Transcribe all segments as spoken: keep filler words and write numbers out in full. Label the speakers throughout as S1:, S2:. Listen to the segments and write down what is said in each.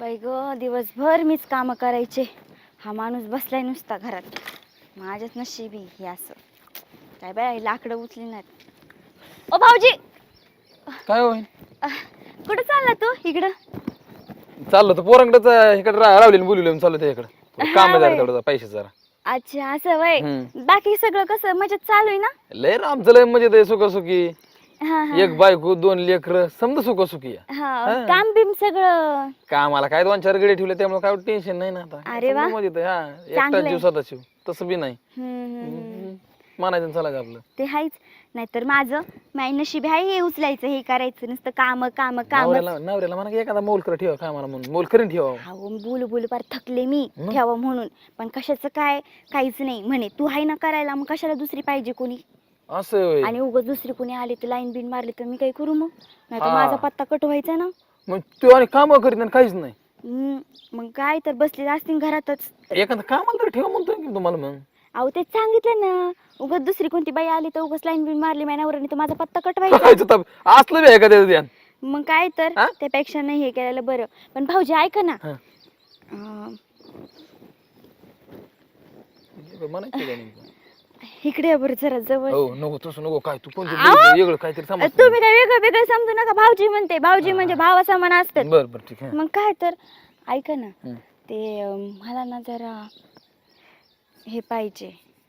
S1: बाई ग दिवसभर मीच काम करायचे. हा माणूस बसलाय नुसता घरात. माझ्याच नशिबी हे असं. काय बाई लाकडं उचली नाहीत. ओ भाऊजी
S2: काय होईल
S1: कुठं चालला तू? इकडं
S2: चाललो तर पोरांकडेच इकडे रावलेलं बोलवलं चाललो ते इकडे काम आहे जरा पैसे जरा.
S1: अच्छा असं वय. बाकी सगळं कसं मजेत चालू आहे ना?
S2: लय आमचं लय मजेत आहे सुखसुखी.
S1: हा हा
S2: एक बायको दोन लेकर समजा सुखसुखी
S1: हा काम बिम सगळं
S2: कामाला काय दोन चार गडी ठेवले त्यामुळे काय टेन्शन नाही ना आता.
S1: अरे वा.
S2: समजा मजेत आहे. हा एकटा
S1: चांगलंय.
S2: जीव स्वतः शिव तसं बी नाही
S1: हम्म
S2: मानायचं चला आपलं
S1: ते हायच. नाहीतर माझं माय नशीब आहे हे उचलायचं हे करायचं नुसतं काम काम काम.
S2: नवऱ्याला नवऱ्याला म्हणा की एखादा मोलकर ठेवा कामाला म्हणून मोलकरीन ठेवा.
S1: अहो बोलू बोलू पार थकले मी ठेवा म्हणून. पण कशाचं काय काहीच नाही म्हणे. तू हाय ना करायला मग कशाला दुसरी पाहिजे कोणी?
S2: असं होय.
S1: आणि उगाच दुसरी कोणी आली तर लाईन बिन मारली तर मी काय करू मग? नाही तर माझा पत्ता कट व्हायचा ना.
S2: मग तू आणि काम करीत नाही काहीच नाही.
S1: हम्म, मग काय तर बसले असतील घरातच.
S2: एखादं कामाला तरी ठेवा म्हणतोय की तुम्हाला मग.
S1: अहो तेच सांगितलं ना. उगाच दुसरी कोणती बाई आली तर उगाच लाईन बिन मारली माझ्यावर तर माझा पत्ता कट व्हायचा.
S2: असलं बी आहे का त्याचं ध्यान?
S1: मग काय तर त्यापेक्षा नाही हे केलेलं बरं. पण भाऊजी ऐका ना. अं, इकडे या बरं जरा जवळ.
S2: हो नको तसं नको. काय तू पण वेगळं काहीतरी समज.
S1: तुम्ही काय वेगळं वेगळं समजू नका. भाऊजी म्हणते भाऊजी म्हणजे भावा समान असतात.
S2: बर बर ठीक आहे.
S1: मग काय तर ऐका ना. ते अं, मला ना जरा हे पाहिजे.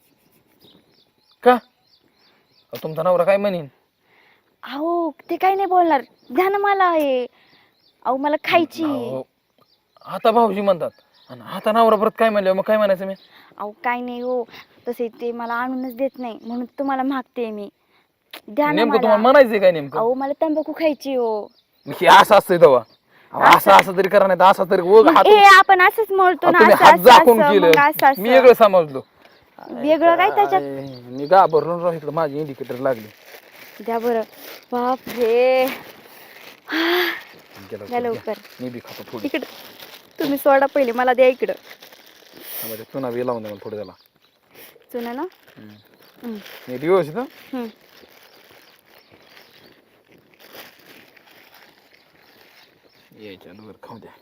S2: का तुमचा नवरा काय म्हणेन?
S1: अहो ते काही नाही बोलणार. द्या ना मला हे. अहो मला खायची.
S2: आता भाऊजी म्हणतात आणि आता नवरा परत काय म्हणलं मग काय म्हणायचं मी?
S1: अहो काय नाही हो. तसे ते मला आणूनच देत नाही म्हणून तुम्हाला मागते मी. द्या ना
S2: नेमकं तुम्हाला
S1: मला.
S2: म्हणायचंय काय नेमकं?
S1: अहो मला तंबाखू खायची हो.
S2: हे असं असतंय तेव्हा. असं असं तरी करा नाही तर असं तरी
S1: मग हे आपण असंच म्हणतो ना.
S2: तुम्ही
S1: असं
S2: हात
S1: असं
S2: झाकून
S1: असं,
S2: केलं
S1: मग असं असं.
S2: मी वेगळं समजलो.
S1: वेगळं काय त्याच्यात?
S2: मी घाबरलो राव इकडं माझी इंडिकेटर लागली.
S1: द्या बरं. बाप रे. द्या लवकर.
S2: मी बी खातो थोडी.
S1: इकडं तुम्ही सोडा पहिले मला द्या इकडं.
S2: म्हणजे चुना बी लावून द्या थोडं त्याला.
S1: चुना ना.
S2: मी व्यवस्थित
S1: हम्म
S2: यायच्या वर खाऊ द्या.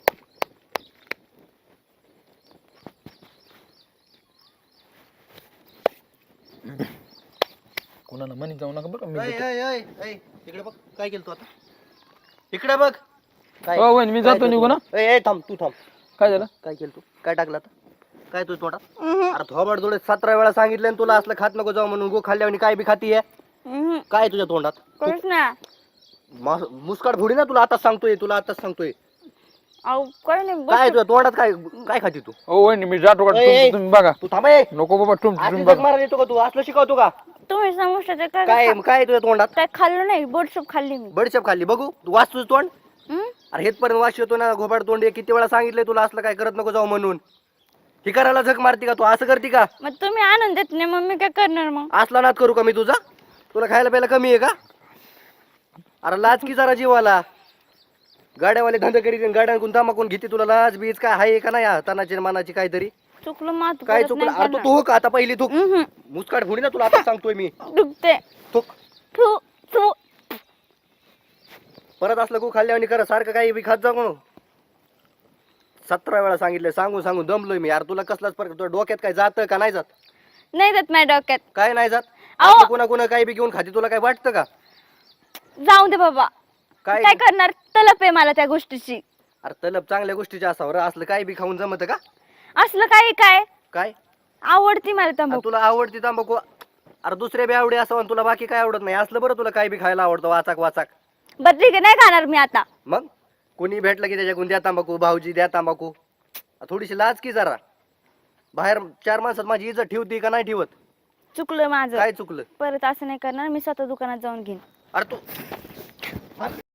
S2: कोणाला म्हणी जाऊ नका बरं. मी
S3: इकडे बघ काय केलं तू आता. इकडे बघ काय.
S2: हो वहिनी मी जातो निघू ना.
S3: ए थांब तू थांब.
S2: काय झालं?
S3: काय केलं तू? काय टाकलं आता? काय तू तोंडात? अरे थोबाड जोडे सतरा वेळा सांगितलं तुला असलं खात नको जाऊ म्हणून. गो खाल्ल्यावर काय बी खातीये. काय तुझ्या तोंडात?
S1: करूच ना.
S3: मुस्काट फोडी ना तुला आताच सांगतोय. तुला आताच सांगतोय.
S1: अहो काय नाही.
S3: काय तुझ्या तोंडात काय काय खाती तू?
S2: हो वहिनी मी जातो का. तुम्ही बघा.
S3: तू थांब ए.
S2: नको बाबा तुम्ही
S3: असली
S2: बघा.
S3: जग मारायला येतो का तू? असलं शिकवतो का?
S1: तुम्ही समजता काय
S3: काय काय तुझ्या तोंडात?
S1: काय खाल्लं नाही. बोटसूप खाल्ली मी.
S3: बडीशेप खाल्ली बघू. तू वाच तुझं तोंड.
S1: हम्म?
S3: अरे हेतपर्यंत वास येतो ना. घोबाड तोंड. किती वेळा सांगितलंय तुला असलं काय करत नको जाऊ म्हणून. ही करायला झक मारती का तू? असं करती का?
S1: मग तुम्ही आणून देत नाही मग मी काय करणार मग?
S3: असला नाद करू का मी तुझा? तुला खायला प्यायला कमी आहे का? अरे लाज की जरा जीवाला. गाड्यावाले धंदे करीत गाड्यांकून तामाकून घेते. तुला लाज बीज काय आहे का नाही? तनाची मानाची काहीतरी
S1: चुकलं मात
S3: काय चुकलं? अरे तू तू का आता पहिली तू मुस्काट फोडी ना तुला आता सांगतोय मी.
S1: दुखते.
S3: तू
S1: थू थू.
S3: परत असलं गो खाल्ल्यावर करा सारखं काही बी खात जाऊ. सतरा वेळा सांगितलं सांगून सांगून दमलोय मी यार. तुला कसलाच फरक तुला डोक्यात काय जातं का नाही जात?
S1: नाही जात माझ्या डोक्यात.
S3: काय नाही जात?
S1: अहो.
S3: कोणा कोणा काही बी घेऊन खाते तुला काय वाटतं का?
S1: जाऊ दे बाबा.
S3: काय
S1: काय करणार? तलप आहे मला त्या गोष्टीची.
S3: अरे तलब चांगल्या गोष्टीचे असावं. असलं काही बी खाऊन जमत का?
S1: असलं काय काय
S3: काय
S1: आवडती मला
S3: अरे
S1: तंबाखू.
S3: तुला आवडती तंबाखू? अरे दुसऱ्या बी आवडी असावं तुला बाकी काय आवडत नाही. असलं बरं तुला काय बी खायला आवडतं वाचाक वाचाक.
S1: बरं ठीक आहे नाही खाणार मी आता.
S3: मग कोणी भेटलं की त्याच्याकडून द्या तंबाखू. भाऊजी द्या तंबाखू. थोडीशी लाज की जरा. बाहेर चार माणसात माझी इज्जत ठेवती का नाही ठेवत?
S1: चुकलं माझं.
S3: काय चुकलं?
S1: परत असं नाही करणार मी स्वतः दुकानात जाऊन घेईन.
S3: अरे तू